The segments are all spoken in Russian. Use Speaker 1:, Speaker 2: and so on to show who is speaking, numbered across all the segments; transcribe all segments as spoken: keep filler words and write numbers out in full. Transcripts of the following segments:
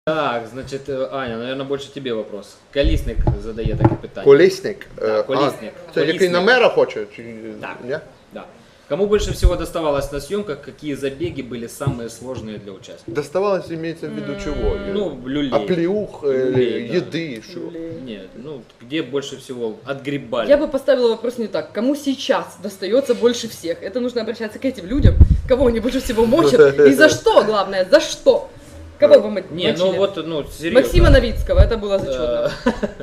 Speaker 1: Так, значить, Аня, наверное, більше тебе вопрос. Колісник задає таке питання.
Speaker 2: Колісник?
Speaker 1: Да, колісник.
Speaker 2: А, це який на мера хоче? Чи...
Speaker 1: Да.
Speaker 2: Ні?
Speaker 1: Да. Кому больше всего доставалось на съемках, какие забеги были самые сложные для участников?
Speaker 2: Доставалось, имеется в виду чего?
Speaker 1: Ну, люлей.
Speaker 2: Оплеух,
Speaker 1: Люлей, да.
Speaker 2: еды, что?
Speaker 1: Нет, ну, где больше всего отгребали?
Speaker 3: Я бы поставила вопрос не так. Кому сейчас достается больше всех? Это нужно обращаться к этим людям, кого они больше всего мочат. И за что, главное, за что? Кого вы мо-
Speaker 1: Не, ну
Speaker 3: мочили?
Speaker 1: вот, ну, серьезно.
Speaker 3: Максима Новицкого, это было зачетно.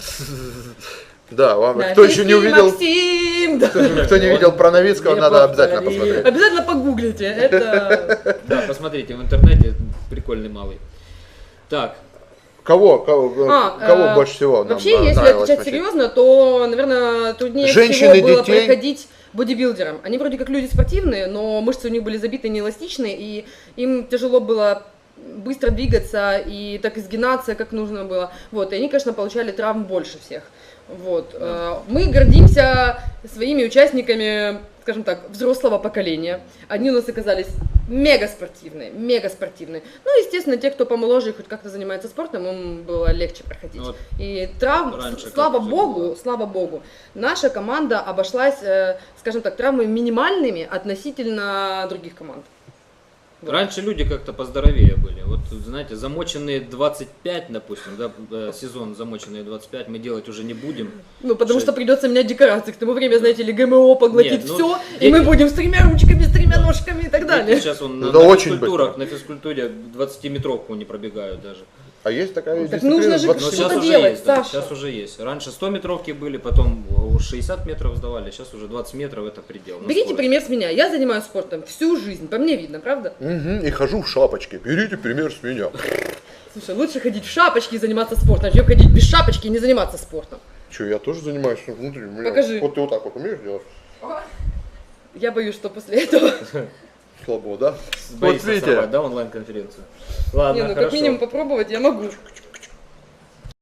Speaker 2: Да, вам,
Speaker 3: Да,
Speaker 2: кто еще не увидел,
Speaker 3: Максим, да.
Speaker 2: кто не видел про Новицкого,
Speaker 1: Не
Speaker 2: надо обязательно
Speaker 1: повтори.
Speaker 2: посмотреть.
Speaker 3: Обязательно погуглите. Это
Speaker 1: Да, посмотрите в интернете, прикольный малый. Так,
Speaker 2: Кого, кого,
Speaker 3: А,
Speaker 2: кого
Speaker 3: э,
Speaker 2: больше всего нам
Speaker 3: вообще, если
Speaker 2: нравилось
Speaker 3: отвечать
Speaker 2: мочить?
Speaker 3: серьезно, то, наверное, труднее
Speaker 2: Женщины,
Speaker 3: всего было
Speaker 2: детей?
Speaker 3: проходить бодибилдерам. Они вроде как люди спортивные, но мышцы у них были забиты неэластичные, и им тяжело было быстро двигаться и так изгинаться, как нужно было. Вот, и они, конечно, получали травм больше всех. Вот.
Speaker 1: Да.
Speaker 3: Мы гордимся своими участниками, скажем так, взрослого поколения. Они у нас оказались мега спортивные, мега спортивные. Ну, естественно, те, кто помоложе и хоть как-то занимается спортом, им было легче проходить.
Speaker 1: Вот
Speaker 3: И травм,
Speaker 1: раньше
Speaker 3: слава
Speaker 1: как
Speaker 3: богу,
Speaker 1: было.
Speaker 3: слава богу, наша команда обошлась, э, скажем так, травмами минимальными относительно других команд. Вот.
Speaker 1: раньше люди как-то поздоровее были. Вот, знаете, замоченные двадцать пять, допустим, да, э, сезон замоченные двадцать пять мы делать уже не будем.
Speaker 3: Ну, потому
Speaker 1: Шесть.
Speaker 3: что придется менять декорации. К тому времени, знаете ли, ГМО поглотит
Speaker 1: Нет, ну,
Speaker 3: все,
Speaker 1: дети-
Speaker 3: и мы будем с тремя ручками, с тремя ножками и так далее.
Speaker 1: Сейчас он на,
Speaker 2: Это
Speaker 1: на
Speaker 2: очень
Speaker 1: физкультурах, на физкультуре двадцатиметровку не пробегают даже.
Speaker 2: А есть такая
Speaker 3: Так
Speaker 2: дисциплина
Speaker 3: нужно же
Speaker 2: двадцать
Speaker 1: Но
Speaker 3: Что-то
Speaker 1: сейчас уже
Speaker 3: делать,
Speaker 1: есть, да,
Speaker 3: Саша.
Speaker 1: сейчас уже есть. Раньше сто метровки были, потом шестьдесят метров сдавали, сейчас уже двадцать метров это предел. на
Speaker 3: Берите
Speaker 1: скорость.
Speaker 3: пример с меня. Я занимаюсь спортом всю жизнь, по мне видно, правда?
Speaker 2: Мгм, и хожу в шапочке. Берите пример с меня.
Speaker 3: Слушай, лучше ходить в шапочке и заниматься спортом, чем ходить без шапочки и не заниматься спортом.
Speaker 2: Че, я тоже занимаюсь внутренним. У меня-
Speaker 3: Покажи.
Speaker 2: Вот ты вот так вот умеешь делать?
Speaker 3: Я боюсь, что после этого...
Speaker 2: Слабо, да?
Speaker 1: Боится
Speaker 2: Вот видите.
Speaker 1: сорвать, да, онлайн-конференцию? Ладно,
Speaker 3: Не, ну
Speaker 1: хорошо.
Speaker 3: как минимум попробовать я могу.